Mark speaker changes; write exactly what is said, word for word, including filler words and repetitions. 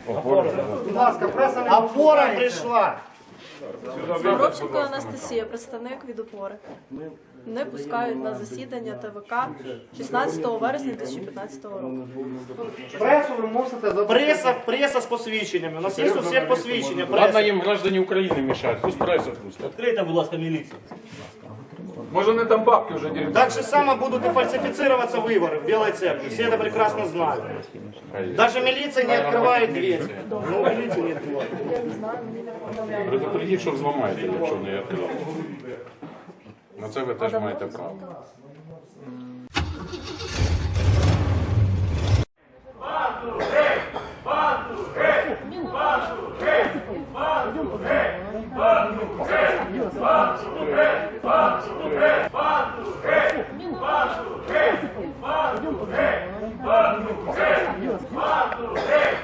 Speaker 1: Будь ласка, преса не опора прийшла.
Speaker 2: Горобченко Анастасія, представник від опори. Не пускають на засідання ТВК шістнадцятого вересня дві тисячі п'ятнадцятого року.
Speaker 1: Пресу ви мусите забрати.
Speaker 3: Преса, преса з посвідченнями. У нас є у всіх посвідчення.
Speaker 4: Ладно,
Speaker 3: Преса.
Speaker 4: їм граждані України мішають, пусть преса пустять.
Speaker 5: Відкрийте, будь ласка, міліцію.
Speaker 4: Може не там бабки вже деруть.
Speaker 3: Так же само будут и фальсифицироваться выборы в Белой Церкви. Все это прекрасно знают. Даже милиция не открывает дверь. Ну, милиция не открывает.
Speaker 4: Предупредіть, що взламаєте, якщо не відкрили. На це ви теж маєте право.
Speaker 6: Пойдем,